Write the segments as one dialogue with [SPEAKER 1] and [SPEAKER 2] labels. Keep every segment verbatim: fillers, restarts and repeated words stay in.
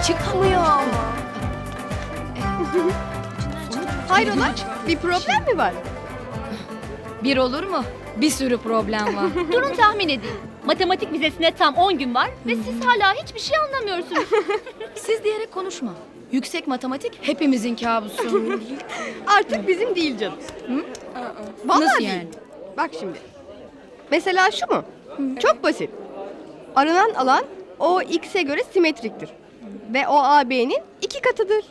[SPEAKER 1] Çıkmıyor ama.
[SPEAKER 2] Hayrola? Bir problem mi var?
[SPEAKER 3] Bir olur mu? Bir sürü problem var.
[SPEAKER 4] Durun tahmin edin. Matematik vizesine tam on gün var ve siz hala hiçbir şey anlamıyorsunuz.
[SPEAKER 3] Siz diyerek konuşma. Yüksek matematik hepimizin kabusu.
[SPEAKER 2] Artık bizim değil canım. Vallahi
[SPEAKER 3] Nasıl
[SPEAKER 2] değil.
[SPEAKER 3] yani?
[SPEAKER 2] Bak şimdi. Mesela şu mu? Çok basit. Aranan alan o x'e göre simetriktir. Ve o A B'nin iki katıdır.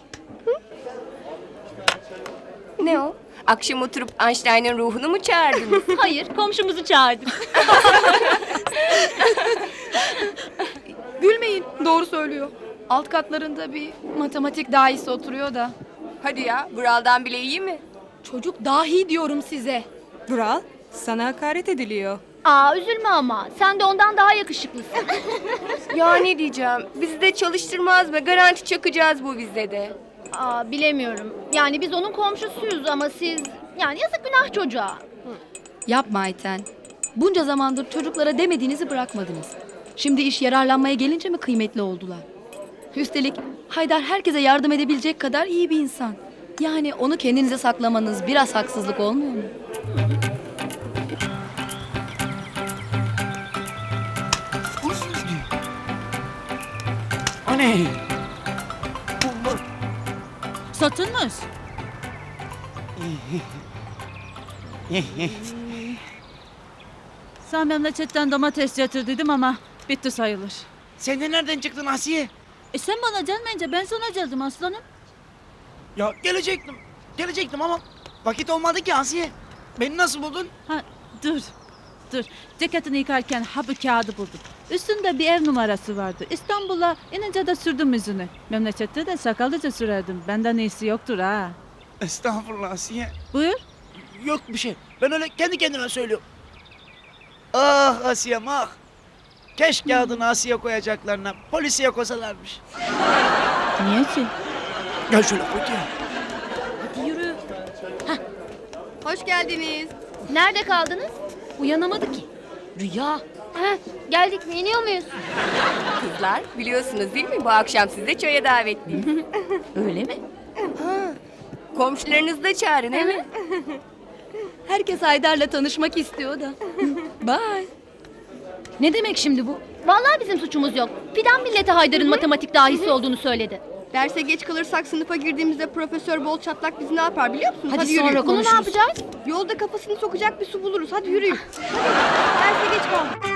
[SPEAKER 1] Ne o? Akşam oturup Einstein'ın ruhunu mu çağırdınız?
[SPEAKER 4] Hayır, komşumuzu çağırdık.
[SPEAKER 3] Gülmeyin. Doğru söylüyor. Alt katlarında bir matematik dahisi oturuyor da.
[SPEAKER 1] Hadi ya, Vural'dan bile iyi mi?
[SPEAKER 3] Çocuk dahi diyorum size.
[SPEAKER 5] Vural, sana hakaret ediliyor.
[SPEAKER 4] Aa üzülme ama, sen de ondan daha yakışıklısın.
[SPEAKER 1] Ya ne diyeceğim, bizi de çalıştırmaz mı? Garanti çakacağız bu vizede.
[SPEAKER 4] Aa bilemiyorum. Yani biz onun komşusuyuz ama siz... Yani yazık günah çocuğa.
[SPEAKER 3] Yapma Ayten. Bunca zamandır çocuklara demediğinizi bırakmadınız. Şimdi iş yararlanmaya gelince mi kıymetli oldular? Üstelik Haydar herkese yardım edebilecek kadar iyi bir insan. Yani onu kendinize saklamanız biraz haksızlık olmuyor mu?
[SPEAKER 6] O ne?
[SPEAKER 7] Satılmış. Sen memleketten domates getirdim ama bitti sayılır.
[SPEAKER 6] Sen de nereden çıktın Asiye?
[SPEAKER 7] E sen bana gelmeyince ben sana geldim aslanım.
[SPEAKER 6] Ya gelecektim. Gelecektim ama vakit olmadı ki Asiye. Beni nasıl buldun?
[SPEAKER 7] Ha dur. Dur. Ceketini yıkarken ha bu kağıdı buldum. Üstünde bir ev numarası vardı. İstanbul'a inince de sürdüm yüzünü. Memlekette de sakallıca sürerdim. Benden iyisi yoktur ha.
[SPEAKER 6] Estağfurullah Asiye.
[SPEAKER 7] Buyur.
[SPEAKER 6] Yok bir şey. Ben öyle kendi kendime söylüyorum. Ah Asiye'm ah. Keşke adını Asiye koyacaklarına polisiye koysalarmış.
[SPEAKER 7] Niye ki?
[SPEAKER 6] Gel şöyle koy ya.
[SPEAKER 4] Hadi yürü.
[SPEAKER 2] Hoş geldiniz.
[SPEAKER 4] Nerede kaldınız?
[SPEAKER 3] Uyanamadı ki. Rüya.
[SPEAKER 4] Heh, geldik mi? İniyor muyuz?
[SPEAKER 1] Kızlar, biliyorsunuz değil mi? Bu akşam sizi de çaya davetliyim.
[SPEAKER 3] Öyle mi?
[SPEAKER 1] Komşularınızı da çağırın, değil mi?
[SPEAKER 3] Herkes Haydar'la tanışmak istiyor da. Bye. Ne demek şimdi bu?
[SPEAKER 4] Vallahi bizim suçumuz yok. Fidan millete Haydar'ın matematik dahisi olduğunu söyledi.
[SPEAKER 2] Derse geç kalırsak sınıfa girdiğimizde Profesör Bol Çatlak bizi ne yapar biliyor musunuz?
[SPEAKER 3] Hadi
[SPEAKER 2] yürüyün.
[SPEAKER 3] sonra
[SPEAKER 4] Bunu ne
[SPEAKER 3] konuşuruz.
[SPEAKER 4] yapacağız?
[SPEAKER 2] Yolda kafasını sokacak bir su buluruz. Hadi yürüyün. Derse geç kaldık.